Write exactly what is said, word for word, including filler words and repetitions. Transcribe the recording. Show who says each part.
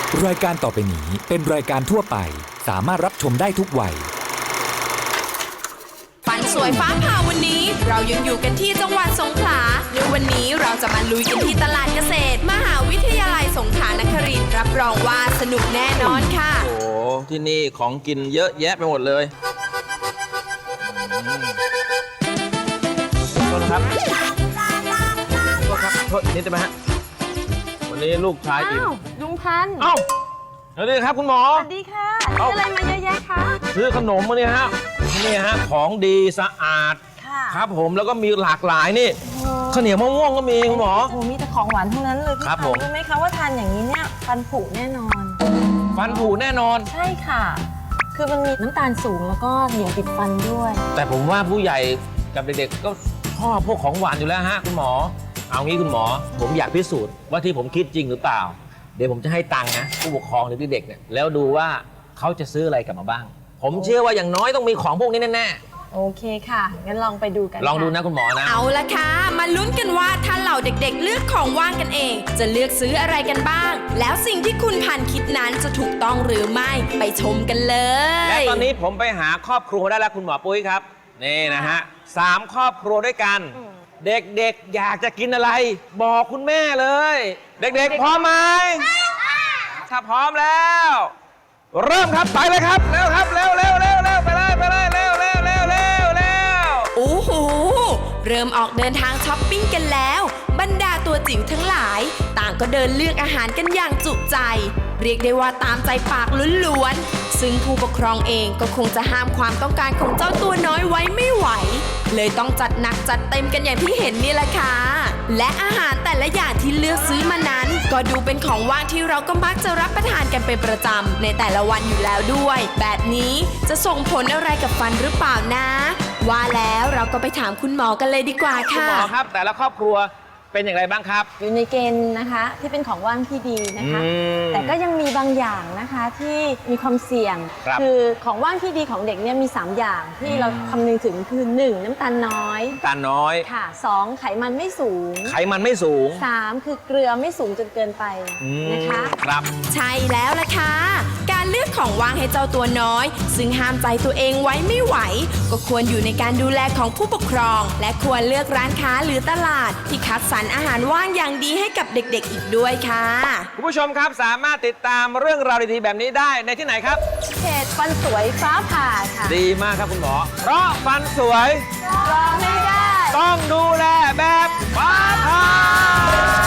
Speaker 1: รายการต่อไปนี้เป็นรายการทั่วไปสามารถรับชมได้ทุกวัย
Speaker 2: ปันสวยฟ้าผ่าวันนี้เรายังอยู่กันที่จังหวัดสงขลาในวันนี้เราจะมาลุยกันที่ตลาดเกษตรมหาวิทยาลัยสงขลานครินทร์รับรองว่าสนุกแน่นอนค่ะ
Speaker 3: โอ้โหที่นี่ของกินเยอะแยะไปหมดเลยโทษนะครับโทษครับโทษนิดได้ไหมฮะวันนี้ลูกชายอิ่ม
Speaker 4: อ้าวลุงพันธุ์
Speaker 3: เอ้าสวัสดีครับคุณหมอ
Speaker 4: สวัสดีค่ะซื้ออะไรมาเยอะแยะคะ
Speaker 3: ซื้อขนมมาเนี่ยฮะนี่ฮะของดีสะอาด
Speaker 4: ค่ะ
Speaker 3: ครับผมแล้วก็มีหลากหลายนี่ข้าวเหนียวมะม่วงก็มีคุณหมอ
Speaker 4: โอ้มีแต่ของหวานทั้งนั้นเลยพี่
Speaker 3: ครับ
Speaker 4: พัน
Speaker 3: ผม
Speaker 4: ธุ์รู้ไหมคะว่าทานอย่างนี้เนี่ยฟันผุแน่นอน
Speaker 3: ฟันผุแน่นอน
Speaker 4: ใช่ค่ะ คือมันมีน้ำตาลสูงแล้วก็เหนียวติดฟันด้วย
Speaker 3: แต่ผมว่าผู้ใหญ่กับเด็กๆก็ชอบพวกของหวานอยู่แล้วฮะคุณหมอเอางี้คุณหมอผมอยากพิสูจน์ว่าที่ผมคิดจริงหรือเปล่าเดี๋ยวผมจะให้ตังค์นะผู้ปกครองหรือเด็กๆเนี่ยแล้วดูว่าเขาจะซื้ออะไรกลับมาบ้างผมเชื่อว่าอย่างน้อยต้องมีของพวกนี้แน่ๆ
Speaker 4: โอเคค่ะงั้นลองไปดูกัน
Speaker 3: ลองดู
Speaker 4: ค่
Speaker 3: นะคุณหมอนะ
Speaker 2: เอาละค่ะมาลุ้นกันว่าถ้าเหล่าเด็กๆเลือกของว่างกันเอง จะเลือกซื้ออะไรกันบ้าง แล้วสิ่งที่คุณพันคิดนั้นจะถูกต้องหรือไม่ไปชมกันเลย
Speaker 3: และตอนนี้ผมไปหาครอบครัวได้แล้วคุณหมอปุ้ยครับนี่นะฮะสามครอบครัวด้วยกัน เด็กๆอยากจะกินอะไร บอกคุณแม่เลย เด็กๆพร้อมไหมถ้าพร้อมแล้ว เริ่มครับไปเลยครับเร็วครับเร็วเร็วเร็วเร็วไปเลยไปเลยเร็วเร็วเร็วเร็วเร็ว
Speaker 2: โอ้โหเริ่มออกเดินทางช้อปปิ้งกันแล้ว บรรดาตัวจิ๋วทั้งหลาย ต่างก็เดินเลือกอาหารกันอย่างจุใจ เรียกได้ว่าตามใจปากล้วนๆซึ่งผู้ปกครองเองก็คงจะห้ามความต้องการของเจ้าตัวน้อยไว้ไม่ไหว เลยต้องจัดหนักจัดเต็มกันอย่างที่เห็นนี่แหละค่ะและอาหารแต่ละอย่างที่เลือกซื้อมานั้น ก็ดูเป็นของว่างที่เราก็มักจะรับประทานกันเป็นประจำในแต่ละวันอยู่แล้วด้วย แบบนี้จะส่งผลอะไรกับฟันหรือเปล่านะ ว่าแล้วเราก็ไปถามคุณหมอกันเลยดีกว่า
Speaker 3: คุณ
Speaker 2: ค่ะ
Speaker 3: หมอครับแต่ละครอบครัวเป็นอย่างไรบ้างครับ
Speaker 4: อยู่ในเกณฑ์นะคะที่เป็นของว่างที่ดีนะคะ
Speaker 3: อืม
Speaker 4: แต่ก็ยังมีบางอย่างนะคะที่มีความเสี่ยง
Speaker 3: ครับ
Speaker 4: อของว่างที่ดีของเด็กเนี่ยมีสามอย่างที่เราคำนึงถึงคือหนึ่งน้ำตาลน้อย
Speaker 3: ตาน้อย
Speaker 4: ค่ะสองไขมันไม่สูง
Speaker 3: ไขมันไม่สูง
Speaker 4: สามคือเกลือไม่สูงจนเกินไป
Speaker 3: อืม
Speaker 4: นะคะ
Speaker 3: ครับ
Speaker 2: ใช่แล้วล่ะค่ะ การเลือกของว่างให้เจ้าตัวน้อย ซึ่งห้ามใจตัวเองไว้ไม่ไหว ก็ควรอยู่ในการดูแลของผู้ปกครอง และควรเลือกร้านค้าหรือตลาด ที่คัดสรรอาหารว่างอย่างดีให้กับเด็กๆอีกด้วยค่ะ
Speaker 3: คุณผู้ชมครับสามารถติดตามเรื่องราวดีๆแบบนี้ได้ในที่ไหนครับ
Speaker 4: เพจฟันสวยฟ้าผ่าค่ะ
Speaker 3: ดีมากครับคุณหมอ เพราะฟันสวย
Speaker 4: รอไม่ได้
Speaker 3: ต้องดูแลแบบฟ้าผ่า